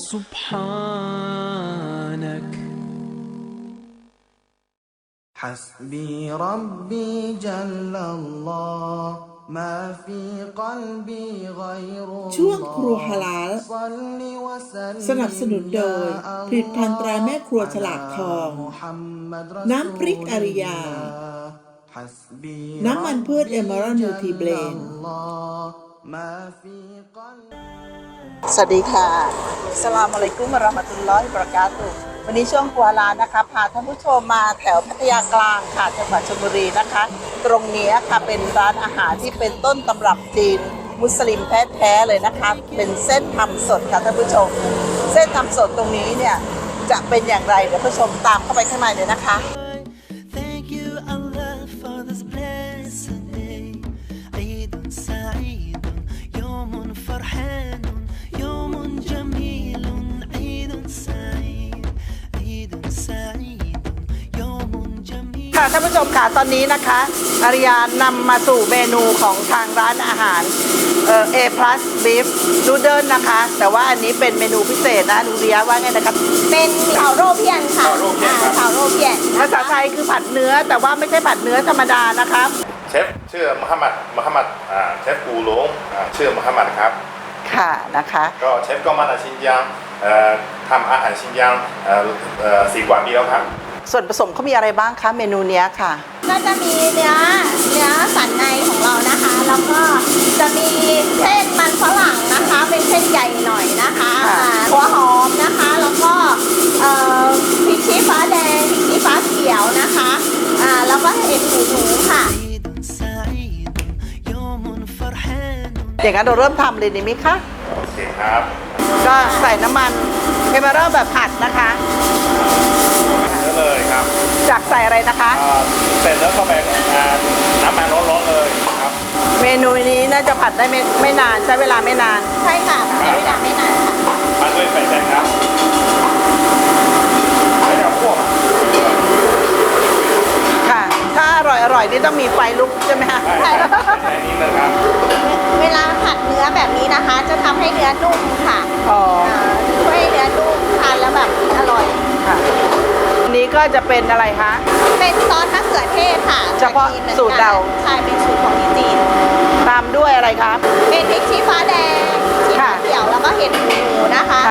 سبحانك حسبي ربي جل الله ما في قلبي غير الله ช่วงครัวฮาลาลสนับสนุนโดยผลิตภัณฑ์ตราแม่ครัวฉลากทองน้ำพริกอาริยาน้ำมันพืชเอเมอรัลนิวทรีเบลนด์สวัสดีค่ะอัสสลามุอะลัยกุมวะเราะห์มะตุลลอฮิวะบะเราะกาตุฮ์วันนี้ช่วงครัวฮาลาลนะคะพาท่านผู้ชมมาแถวพัทยากลางค่ะจังหวัดชลบุรีนะคะตรงนี้ค่ะเป็นร้านอาหารที่เป็นต้นตำรับจีนมุสลิมแท้ๆเลยนะคะเป็นเส้นทำสดค่ะท่านผู้ชมเส้นทำสดตรงนี้เนี่ยจะเป็นอย่างไรเดี๋ยวผู้ชมตามเข้าไปข้างในเลยนะคะท่านผู้ชมค่ะตอนนี้นะคะอาริยานำมาสู่เมนูของทางร้านอาหารA+ Beef Noodle นะคะแต่ว่าอันนี้เป็นเมนูพิเศษนะดูเรียว่าไงนะครับเป็นเฉาโรเพียนค่ะเฉาโรเพียนภาษาไทยคือผัดเนื้อแต่ว่าไม่ใช่ผัดเนื้อธรรมดานะครับเชฟชื่อมหมัดเชฟกูหลงชื่อมหมัดครับค่ะนะคะก็เชฟก็มาจากชินยางทำอาหารชินยาง4 กว่าปีแล้วครับส่วนผสมเขามีอะไรบ้างคะเมนูนี้ค่ะก็จะมีเนื้อสันในของเรานะคะแล้วก็จะมีเส้นมันฝรั่งนะคะเป็นเส้นใหญ่หน่อยนะคะหัวหอมนะคะแล้วก็พริกชี้ฟ้าแดงพริกชี้ฟ้าเขียวนะคะแล้วก็เห็ดหูหนูค่ะอย่างนั้นเราเริ่มทำเลยดีไหมคะโอเคครับก็ใส่น้ำมันเอเมอรัลแบบผัดนะคะเลยครับจากใส่อะไรนะคะเสร็จแล้วเข้าไปน้ำมันร้อนๆเลยครับเมนูนี้น่าจะผัดได้ไม่นานใช้เวลาไม่นานใช่ค่ะใช้เวลาไม่นานค่ะมันด้วยไฟแรงครับไม่เอาพวกค่ะถ้าอร่อยนี่ต้องมีไฟลุกใช่ไหมคะใช่นี่เลยครับเวลาผัดเนื้อแบบนี้นะคะจะทำให้เนื้อนุ่มค่ะช่วยให้เนื้อนุ่มทานแล้วแบบอร่อยค่ะนี้ก็จะเป็นอะไรคะเป็นซอสมะเขือเทศค่ะเฉพาะสูตรเราใช่เป็นสูตรของที่จีนตามด้วยอะไรครับเป็นพริกชี้ฟ้าแดงชี้ฟ้าเขียวแล้วก็เห็ดหูหนูนะคะ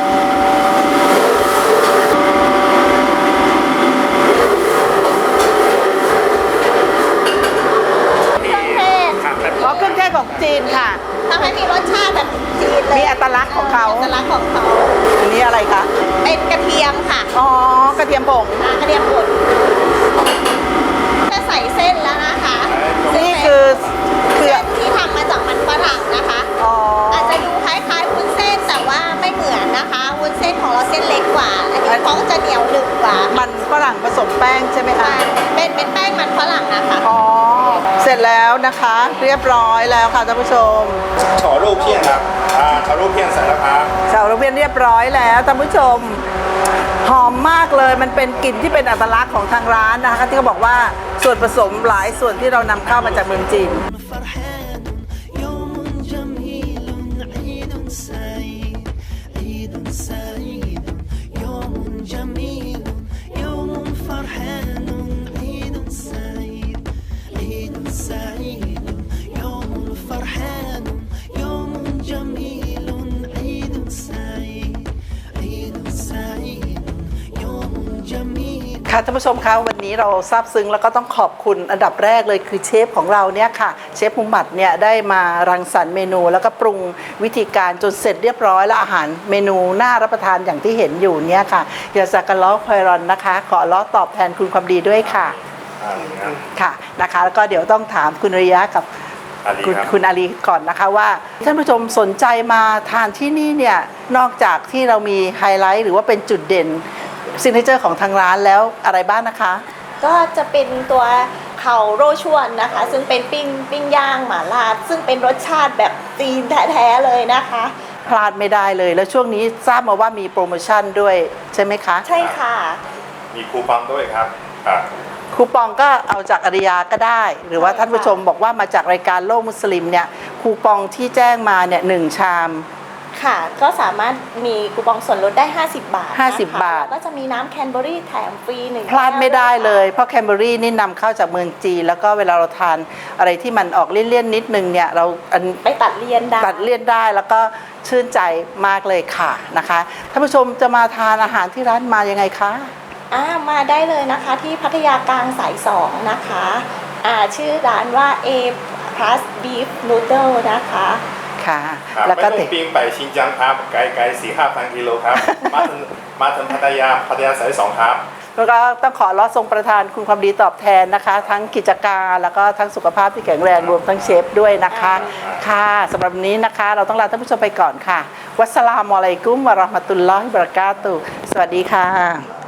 เครื่องเทศของจีนค่ะทำให้มีรสชาติแบบจีนเลยมีอัตลักษณ์ของเขาอัตลักษณ์ของเขาอันนี้อะไรคะเป็นกระเทียมค่ะอ๋อกระเทียมผงกระเทียมป่นจะใส่เส้นแล้วนะคะนี่คือเส้นที่ทำมาจากมันฝรั่งนะคะอาจจะดูคล้ายๆวุ้นเส้นแต่ว่าไม่เหมือนนะคะวุ้นเส้นของเราเส้นเล็กกว่าอันนี้เขาจะเหนียวหนึบกว่ามันฝรั่งผสมแป้งใช่ไหมคะเป็นแป้งมันฝรั่งนะคะเสร็จแล้วนะคะเรียบร้อยแล้วค่ะท่านผู้ชมเฉาโรเพียนครับเฉาโรเพียนเสร็จแล้วครับเฉาโรเพียนเรียบร้อยแล้วท่านผู้ชมหอมมากเลยมันเป็นกลิ่นที่เป็นอัตลักษณ์ของทางร้านนะคะที่เขาบอกว่าส่วนผสมหลายส่วนที่เรานำเข้ามาจากเมืองจีนค่ะท่านผู้ชมคะวันนี้เราซาบซึ้งแล้วก็ต้องขอบคุณอันดับแรกเลยคือเชฟของเราเนี่ยค่ะเชฟมุฮัมมัดเนี่ยได้มารังสรรค์เมนูแล้วก็ปรุงวิธีการจนเสร็จเรียบร้อยแล้วอาหารเมนูน่ารับประทานอย่างที่เห็นอยู่เนี่ยค่ะยาซากัลลอฮ์ไพรอนนะคะขออัลเลาะห์ตอบแทนคุณความดีด้วยค่ะค่ะนะคะแล้วก็เดี๋ยวต้องถามคุณอาริยะกับคุณอาลีก่อนนะคะว่าท่านผู้ชมสนใจมาทานที่นี่เนี่ยนอกจากที่เรามีไฮไลท์หรือว่าเป็นจุดเด่นซิกเนเจอร์ของทางร้านแล้วอะไรบ้างนะคะก็จะเป็นตัวเข่าโรชวนนะคะซึ่งเป็นปิ้งย่างหม่าล่าซึ่งเป็นรสชาติแบบจีนแท้ๆเลยนะคะพลาดไม่ได้เลยแล้วช่วงนี้ทราบมาว่ามีโปรโมชั่นด้วยใช่ไหมคะใช่ค่ะมีคูปองด้วยครับคูปองก็เอาจากอาริยาก็ได้หรือว่าท่านผู้ชมบอกว่ามาจากรายการโลกมุสลิมเนี่ยคูปองที่แจ้งมาเนี่ย1 ชามค่ะก็สามารถมีคูปองส่วนลดได้50 บาทนะคะ 50 บาทแล้วก็จะมีน้ำแคนเบอรี่แถมฟรี1 พลาดไม่ได้เลย เพราะแคนเบอรี่นี่นำเข้าจากเมืองจีน แล้วก็เวลาเราทานอะไรที่มันออกเลี่ยนๆนิดนึงเนี่ยเราไปตัดเลี่ยนได้ตัดเลี่ยนได้แล้วก็ชื่นใจมากเลยค่ะนะคะท่านผู้ชมจะมาทานอาหารที่ร้านมายังไงคะมาได้เลยนะคะที่พัทยากลางสาย2นะคะชื่อร้านว่า A Plus Beef Noodle นะคะค่ะครับแล้วไม่ก็ต้องบินไปชินจังครับไกลๆ4-5,000 กิโลครับ มาถึงพัทยาสาย2ครับแล้วก็ต้องขอรอทรงประทานคุณความดีตอบแทนนะคะ ทั้งกิจการแล้วก็ทั้งสุขภาพที่แข็งแรงรวมทั้งเชฟด้วยนะคะค่ะสำหรับวันนี้นะคะเราต้องลาท่านผู้ชมไปก่อนค่ะ วัสสลามุอะลัยกุมวะเราะห์มะตุลลอฮิวะบะเราะกาตุฮ์สวัสดีค่ะ